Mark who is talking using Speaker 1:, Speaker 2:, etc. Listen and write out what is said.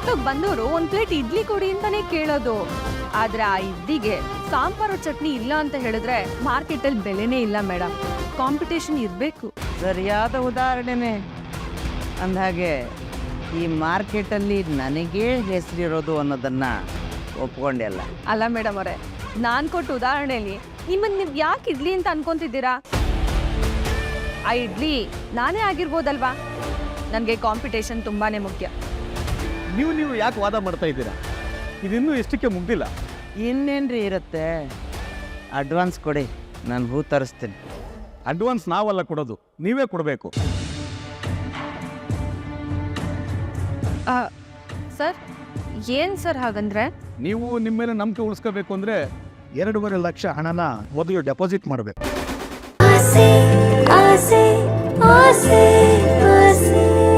Speaker 1: ಊಟಕ್ಕೆ ಬಂದವರು ಒಂದ್ ಪ್ಲೇಟ್ ಇಡ್ಲಿ ಕೊಡಿ ಅಂತಾನೆ ಕೇಳೋದು. ಆದ್ರೆ ಆ ಇಡ್ಲಿಗೆ ಸಾಂಬಾರು ಚಟ್ನಿ ಇಲ್ಲ ಅಂತ ಹೇಳಿದ್ರೆ ಮಾರ್ಕೆಟಲ್ಲಿ ಬೆಲೆನೇ ಇಲ್ಲ ಮೇಡಮ್. ಕಾಂಪಿಟೇಷನ್ ಇರಬೇಕು.
Speaker 2: ಸರಿಯಾದ ಉದಾಹರಣೆನೇ. ಅಂದಹಾಗೆ ಈ ಮಾರ್ಕೆಟಲ್ಲಿ ನನಗೇ ಹೆಸರಿರೋದು ಅನ್ನೋದನ್ನು ಒಪ್ಕೊಂಡೆಲ್ಲ.
Speaker 1: ಅಲ್ಲ ಮೇಡಮ್ ಅವರೇ, ನಾನು ಕೊಟ್ಟ ಉದಾಹರಣೆಯಲ್ಲಿ ನಿಮ್ಮನ್ನು ನೀವು ಯಾಕೆ ಇಡ್ಲಿ ಅಂತ ಅನ್ಕೊಂತಿದ್ದೀರಾ? ಆ ಇಡ್ಲಿ ನಾನೇ ಆಗಿರ್ಬೋದಲ್ವಾ? ನನಗೆ ಕಾಂಪಿಟೇಷನ್ ತುಂಬಾನೇ ಮುಖ್ಯ.
Speaker 3: ನೀವು ಯಾಕೆ ವಾದ ಮಾಡ್ತಾ ಇದ್ದೀರಾ? ಇದಿನ್ನೂ ಎಷ್ಟಕ್ಕೆ ಮುಗ್ದಿಲ್ಲ.
Speaker 2: ಇನ್ನೇನ್ರಿ ಇರುತ್ತೆ? ಅಡ್ವಾನ್ಸ್ ಕೊಡಿ, ನಾನು ಹೂ ತರಿಸ್ತೀನಿ.
Speaker 3: ಅಡ್ವಾನ್ಸ್ ನಾವಲ್ಲ ಕೊಡೋದು, ನೀವೇ ಕೊಡಬೇಕು.
Speaker 1: ಸರ್, ಏನು ಸರ್ ಹಾಗಂದ್ರೆ?
Speaker 3: ನೀವು ನಿಮ್ಮ ಮೇಲೆ ನಂಬಿಕೆ ಉಳಿಸ್ಕೋಬೇಕು ಅಂದರೆ 2.5 ಲಕ್ಷ ಹಣನ ಮೊದಲು ಡೆಪಾಸಿಟ್ ಮಾಡಬೇಕು.
Speaker 4: ಆಸೆ ಆಸೆ ಆಸೆ ಆಸೆ